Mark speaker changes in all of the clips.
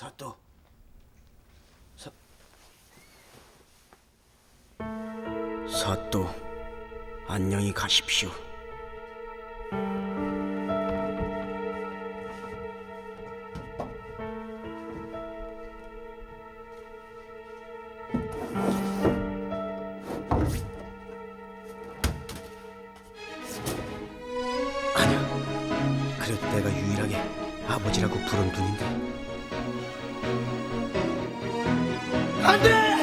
Speaker 1: 사또. 사또, 안녕히 가십시오. 아니야, 그래도 내가 유일하게 아버지라고 부른 분인데. 안 돼!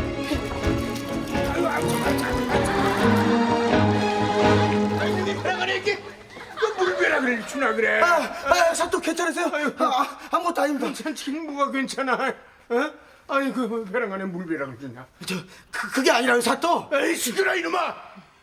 Speaker 2: 물벼락을 주나 그래?
Speaker 1: 사또 괜찮으세요? 아무것도 아닙니다.
Speaker 2: 괜찮지는 뭐가 괜찮아? 어? 아니 그 벼락 안에 물벼락을 주냐?
Speaker 1: 그게 아니라요, 사또.
Speaker 2: 에이 시끄러 이놈아!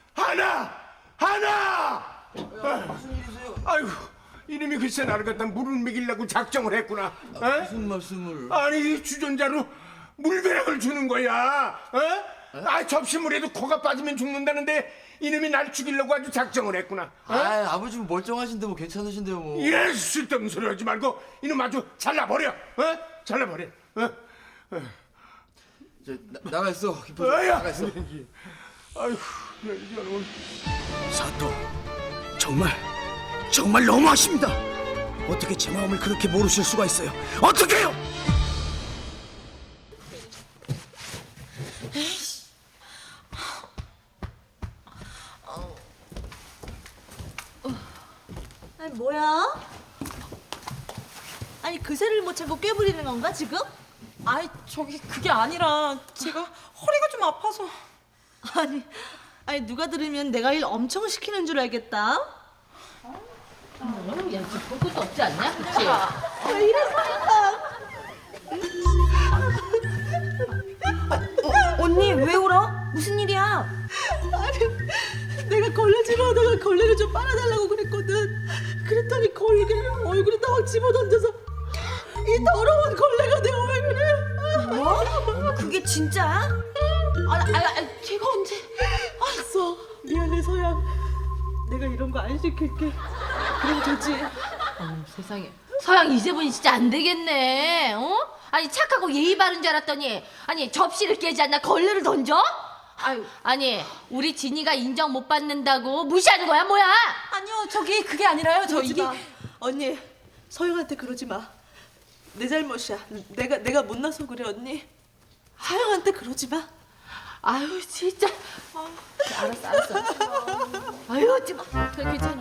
Speaker 2: 하나!
Speaker 1: 무슨 일이세요?
Speaker 2: 아이고 이놈이 글쎄 나를 갖다 물을 먹이려고 작정을 했구나. 어?
Speaker 1: 무슨 말씀을?
Speaker 2: 아니 주전자로 물벼락을 주는 거야. 어? 접시물에도 코가 빠지면 죽는다는데 이놈이 날 죽이려고 아주 작정을 했구나. 어?
Speaker 3: 아버지 멀쩡하신데 뭐 괜찮으신데요 뭐.
Speaker 2: 이래 쓸데없는 소리 하지 말고 이놈 아주 잘라버려. 어? 잘라버려.
Speaker 3: 나가 있어. 깊어져. 나가 있어.
Speaker 2: 아이고 이런.
Speaker 1: 사또, 정말 너무하십니다. 어떻게 제 마음을 그렇게 모르실 수가 있어요? 어떻게요?
Speaker 4: 아니 뭐야? 아니 그새를 못 참고 꿰부리는 건가 지금?
Speaker 5: 아이 저기 그게 아니라 제가 허리가 좀 아파서.
Speaker 4: 아니 누가 들으면 내가 일 엄청 시키는 줄 알겠다.
Speaker 6: 야, 지금 볼 것도 없지 않냐? 그치?
Speaker 4: 왜 이래 서영아?
Speaker 6: 언니, 왜 울어? 무슨 일이야?
Speaker 4: 아니 내가 걸레질을 하다가 걸레를 좀 빨아달라고 그랬거든. 그랬더니 걸레를 얼굴에 딱 집어던져서 이 더러운 걸레가 내 얼굴에.
Speaker 6: 뭐? 그게 진짜야?
Speaker 4: 걔가 언제? 알았어. 미안해 서양. 내가 이런 거 안 시킬게. 그럼 되지.
Speaker 6: 세상에. 서양 이제부터 진짜 안 되겠네. 어? 아니 착하고 예의 바른 줄 알았더니 아니 접시를 깨지 않나 걸레를 던져? 아니 우리 진이가 인정 못 받는다고 무시하는 거야 뭐야?
Speaker 5: 아니요 저기 그게 아니라요. 저
Speaker 4: 그러지
Speaker 5: 이게
Speaker 4: 마. 언니 서영한테 그러지 마. 내 잘못이야. 내가 못나서 그래 언니. 서영한테 그러지 마.
Speaker 6: 아유 진짜. 알았어. 아유 하지 마. 그래 괜찮아.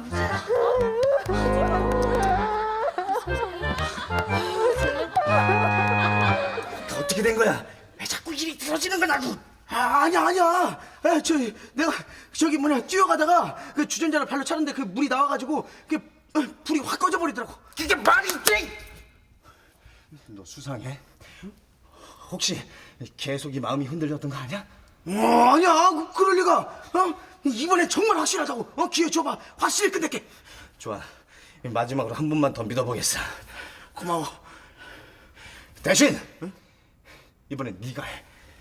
Speaker 1: 어떻게 된 거야? 왜 자꾸 일이 틀어지는 거냐고? 아니야. 내가 뛰어가다가 그 주전자를 발로 차는데 그 물이 나와가지고 그 불이 확 꺼져버리더라고. 그게 말이 돼? 너 수상해? 혹시 계속 이 마음이 흔들렸던 거 아니야? 아니야. 그럴 리가. 이번엔 정말 확실하다고. 기회 줘봐. 확실히 끝낼게. 좋아. 마지막으로 한 번만 더 믿어보겠어. 고마워. 대신 이번엔 네가 해.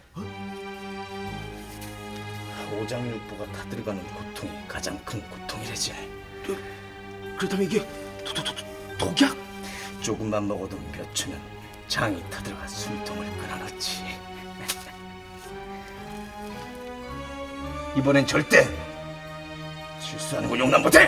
Speaker 1: 오장육부가 다 들어가는 고통이 가장 큰 고통이래지. 그렇다면 이게 독약? 조금만 먹어도 몇 초면 장이 타들어가 숨통을 끊어놓지. 이번엔 절대 실수하는 거 용납 못해.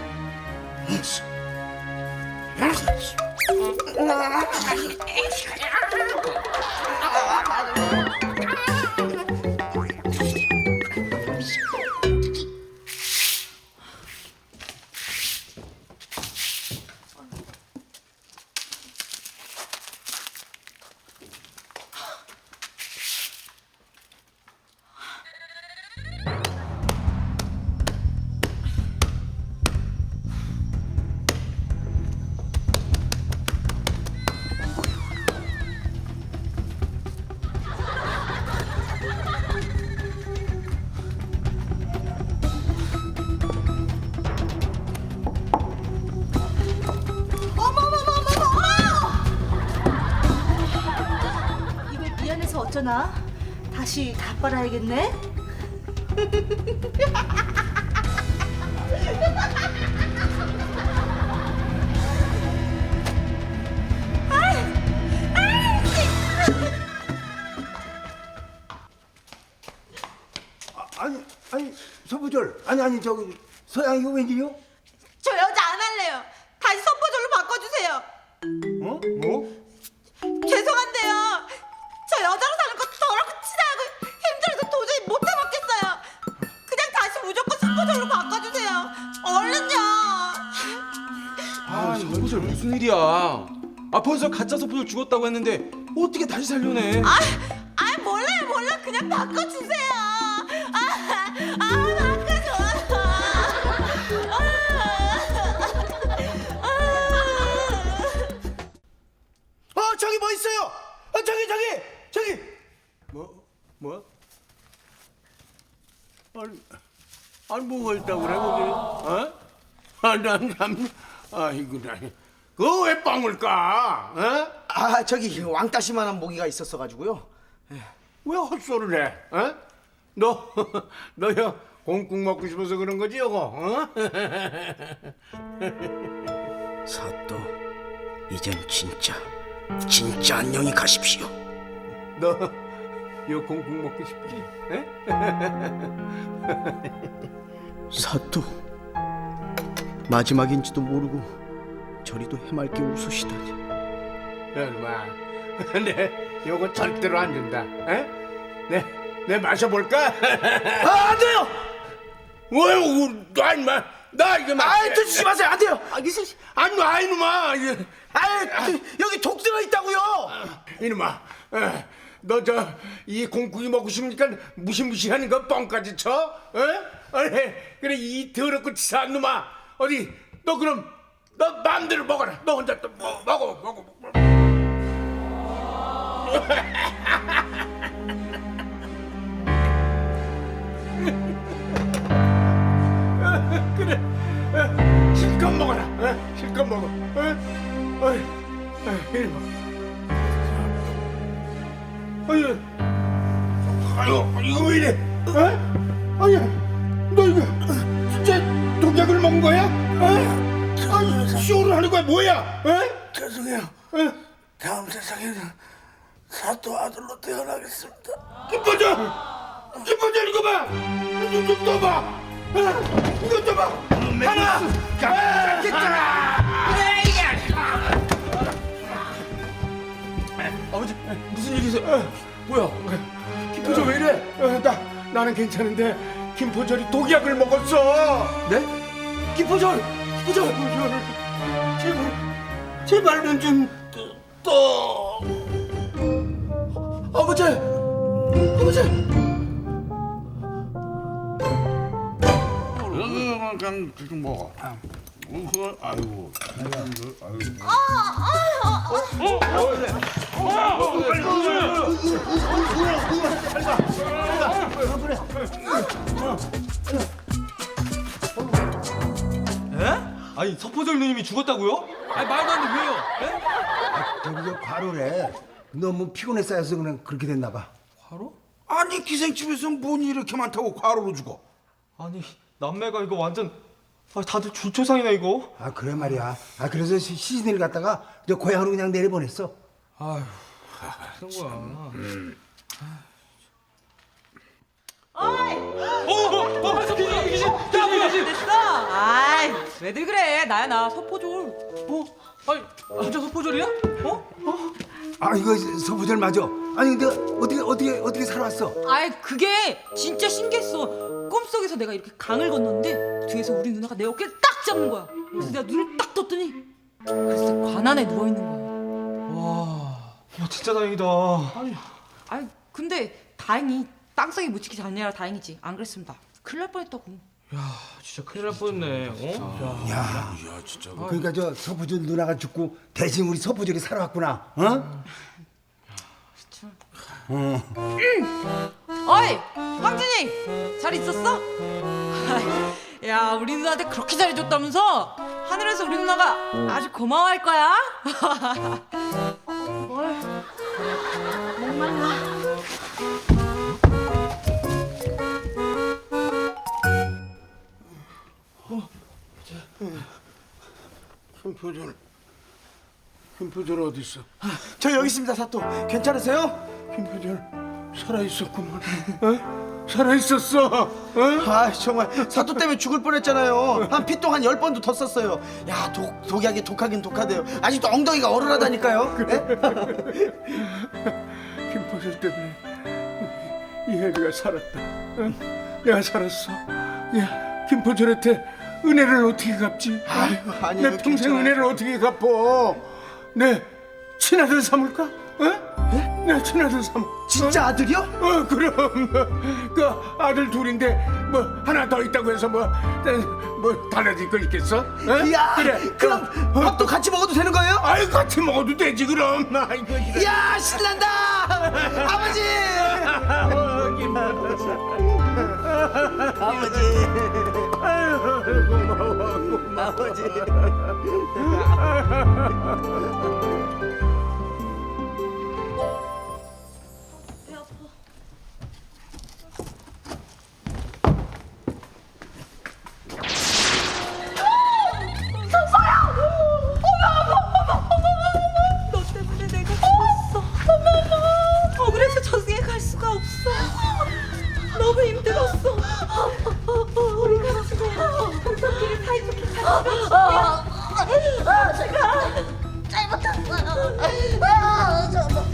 Speaker 4: 어쩌나? 다시 다 빨아야겠네?
Speaker 7: 아니 저기 서양이가 웬일이요?
Speaker 5: 저 여자 안 할래요. 다시 선포절로 바꿔주세요.
Speaker 2: 어? 뭐?
Speaker 5: 죄송한데요. 저 여자로 사는 거 더럽고 치사하고 힘들어서 도저히 못 해먹겠어요. 그냥 다시 무조건 선포절로 바꿔주세요. 얼른요.
Speaker 3: 아, 서포절 무슨 일이야? 아, 벌써 가짜 서포절 죽었다고 했는데 어떻게 다시 살려내?
Speaker 5: 몰라요. 그냥 바꿔주세요. 바꿔줘.
Speaker 1: 저기 뭐 있어요? 저기.
Speaker 2: 뭐? 아니 뭐가 있다고 그래 거기? 어? 난 참, 아이고 나 그거 왜 빵을 까? 어?
Speaker 1: 저기 왕따시만한 모기가 있었어가지고요.
Speaker 2: 왜 헛소리를 해? 어? 너야 공국 먹고 싶어서 그런 거지 여거? 어?
Speaker 1: 사또, 이젠 진짜 안녕히 가십시오.
Speaker 2: 너요 공국 먹고 싶지? 에?
Speaker 1: 사또, 마지막인지도 모르고 저리도 해맑게 웃으시다니.
Speaker 2: 여러분, 내 요거 절대로 안 준다. 에? 내 마셔볼까?
Speaker 1: 안 돼요!
Speaker 2: 왜? 나 임마, 나 이거 마.
Speaker 1: 드시지 마세요. 안 돼요.
Speaker 2: 안 놔, 이놈아.
Speaker 1: 여기 독 들어 있다고요.
Speaker 2: 이놈아, 너 이 공국이 먹고 싶으니까 무시무시하는 거 뻥까지 쳐? 그래 이 더럽고 치사한 놈아. 어디 너 그럼 너 마음대로 먹어라. 너 혼자 또 먹어. 그래, 실컷 먹어라. 실컷 먹어. 이놈아. 아유, 이거 왜 이래? 아니, 너 이거 진짜 독약을 먹은 거야? 아니, 쇼를 하는 거야 뭐야?
Speaker 7: 죄송해요. 다음 세상에는 사또 아들로 태어나겠습니다.
Speaker 2: 김포절 이거 봐. 좀 떠봐. 이거 떠봐. 하나,
Speaker 3: 아버지, 무슨 일이세요? 뭐야?
Speaker 2: 김포절 왜 이래? 나는 괜찮은데 김포절이 독약을 먹었어.
Speaker 3: 네?
Speaker 2: 김포절. 제발만 좀 떠.
Speaker 1: 아버지.
Speaker 2: 그냥 좀 먹어. 아이고.
Speaker 3: 아니, 서포절 누님이 죽었다고요? 아니, 말도 안 돼, 왜요?
Speaker 7: 저기가 과로래. 너무 피곤해 쌓여서 그냥 그렇게 됐나 봐.
Speaker 8: 아니 기생집에서 뭔 일이 이렇게 많다고 과로로 죽어?
Speaker 3: 아니, 남매가 이거 완전 다들 줄초상이네 이거.
Speaker 7: 아 그래 말이야. 그래서 시신을 갖다가 저 고향으로 그냥 내려보냈어.
Speaker 3: 아휴, 그런 거야.
Speaker 5: 됐어. 아이, 왜들 그래? 나야 나 서포졸.
Speaker 3: 아니, 진짜 서포절이야?
Speaker 7: 이거 서부절 맞아. 아니 근데 어떻게 살아왔어?
Speaker 5: 아이, 그게 진짜 신기했어. 꿈속에서 내가 이렇게 강을 건넜는데 뒤에서 우리 누나가 내 어깨를 딱 잡는 거야. 그래서 내가 눈을 딱 떴더니 글쎄 관안에 누워 있는 거야.
Speaker 3: 와, 진짜 다행이다.
Speaker 5: 아이, 근데 다행히 땅속에 묻히기 전이라 다행이지. 안 그랬으면 나 큰일 날 뻔했다고.
Speaker 3: 진짜 큰일 날 뻔했네.
Speaker 7: 야 진짜. 그러니까 저 서부절 누나가 죽고 대신 우리 서부절이 살아왔구나. 어?
Speaker 5: 어이, 황진이 잘 있었어? 야, 우리 누나한테 그렇게 잘해줬다면서 하늘에서 우리 누나가 아주 고마워할 거야.
Speaker 2: 김포절 어디 있어?
Speaker 1: 저 여기 있습니다, 사또. 괜찮으세요?
Speaker 2: 김포절 살아있었구만. 살아있었어.
Speaker 1: 아 정말 사또 때문에 죽을 뻔했잖아요. 한 피똥 한 10번도 더 썼어요. 야 독약이 독하긴 독하대요. 아직도 엉덩이가 얼얼하다니까요.
Speaker 2: 김포슬 때문에 이 혜리가 살았다. 내가 살았어. 야, 김포철한테 은혜를 어떻게 갚지?
Speaker 1: 아이고, 아니에요,
Speaker 2: 내 평생
Speaker 1: 괜찮아요.
Speaker 2: 은혜를 어떻게 갚어? 내 친아들 삼을까? 내 친아들 삼.
Speaker 1: 진짜 아들이요?
Speaker 2: 그럼 그 아들 둘인데 뭐 하나 더 있다고 해서 뭐 달라질 거 있겠어?
Speaker 1: 이야 그럼 밥도 같이 먹어도 되는 거예요?
Speaker 2: 아이 같이 먹어도 되지 그럼. 아이고
Speaker 1: 이야 신난다 아버지 아버지
Speaker 5: 너 때문에 내가 죽었어. 억울해서 저승에 갈 수가 없어. 너무 힘들었어. 우리 같이 동성끼리 사이좋게 살자.
Speaker 6: 제가 잘못했어요.